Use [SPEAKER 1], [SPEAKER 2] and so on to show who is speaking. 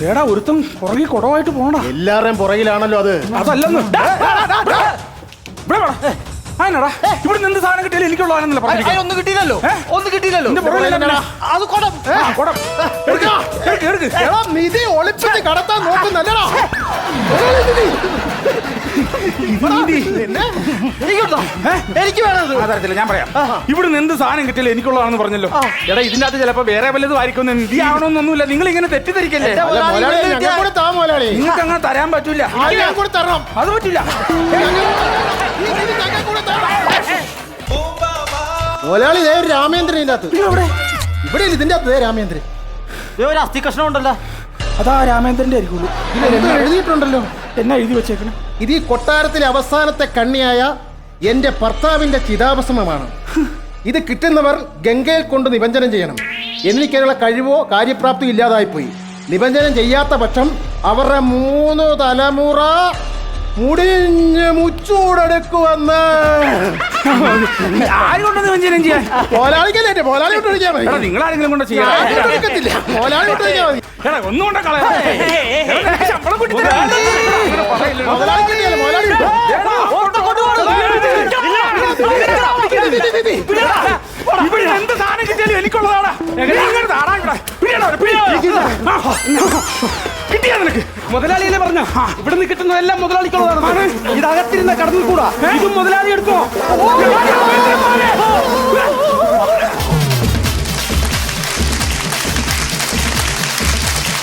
[SPEAKER 1] ഏടാ ഒരുത്തം പുറകെ കുടവായിട്ട് പോണ
[SPEAKER 2] എല്ലാവരുടെയും പുറകിലാണല്ലോ അത്.
[SPEAKER 1] അതല്ലെന്ന് ആനടാ ഇവിടെ നിന്ന് സാധനം കിട്ടിയാലും എനിക്കുള്ളതാണെന്നല്ല പറഞ്ഞു.
[SPEAKER 3] ഒന്നും കിട്ടിയില്ലല്ലോ. അത് കുടം.
[SPEAKER 2] നിധി ഒളിപ്പിച്ച് കടത്താൻ നോക്കുന്നല്ലടാ.
[SPEAKER 3] എനിക്ക് വേണത്
[SPEAKER 1] അതറിയത്തില്ല, ഞാൻ പറയാം. ഇവിടുന്ന് എന്ത് സാധനം കിട്ടിയാലും എനിക്കുള്ളതാണെന്ന് പറഞ്ഞല്ലോ. എടാ ഇതിന്റെ അകത്ത് ചിലപ്പോ വേറെ വല്ലതും ആയിരിക്കും. നിധി ആവണമെന്നൊന്നുമില്ല. നിങ്ങൾ ഇങ്ങനെ തെറ്റിദ്ധരിക്കല്ലേ. നിങ്ങൾക്ക് അങ്ങനെ തരാൻ പറ്റൂല. അത് പറ്റില്ല.
[SPEAKER 2] മുതലാളി രാമേന്ദ്രൻ ഇതിന്റെ അകത്ത്. ഇവിടെ ഇതിന്റെ അകത്ത് രാമേന്ദ്രൻ
[SPEAKER 3] ഒരു അസ്ഥി കഷ്ണം ഉണ്ടല്ലോ.
[SPEAKER 1] അതാ രാമേന്ദ്രന്റെ ആയിരിക്കുള്ളൂ.
[SPEAKER 2] എഴുതിയിട്ടുണ്ടല്ലോ.
[SPEAKER 1] എന്നാ എഴുതി വെച്ചേക്കണം?
[SPEAKER 2] ഇത് ഈ കൊട്ടാരത്തിലെ അവസാനത്തെ കണ്ണിയായ എന്റെ ഭർത്താവിന്റെ ചിതാഭസ്മമാണ്. ഇത് കിട്ടുന്നവർ ഗംഗയിൽ കൊണ്ട് നിബഞ്ജനം ചെയ്യണം. എനിക്കതിനുള്ള കഴിവോ കാര്യപ്രാപ്തിയോ ഇല്ലാതായിപ്പോയി. നിബഞ്ജനം ചെയ്യാത്ത പക്ഷം അവരുടെ 3 തലമുറ മുടിഞ്ഞ് മുച്ചൂടെടുക്കുവന്ന്.
[SPEAKER 1] ആരുകൊണ്ടത് വഞ്ചനം ചെയ്യാൻ?
[SPEAKER 2] പോലാളിക്കല്ലേ, പോലാളി കൊണ്ട് ഒഴിക്കാൻ മതി.
[SPEAKER 1] നിങ്ങൾ ആരെങ്കിലും കൊണ്ട് ചെയ്യാൻ
[SPEAKER 2] പോലാളി കൊണ്ട് ഒഴിക്കാൻ മതി.
[SPEAKER 1] ഒന്നുകൊണ്ട ശമ്പളം കൂട്ടി ഇവിടെ എന്ത് സാധനം കിട്ടിയാലും എനിക്കുള്ളതാണ്. കിട്ടിയാ നിനക്ക്? മുതലാളിയല്ലേ പറഞ്ഞ ഇവിടെ നിന്ന് കിട്ടുന്നതെല്ലാം മുതലാളിക്കുള്ളതാണ്. ഇതകത്തിരുന്ന കടന്നിൽ കൂടാ ഇതും മുതലാളി എടുക്കോ?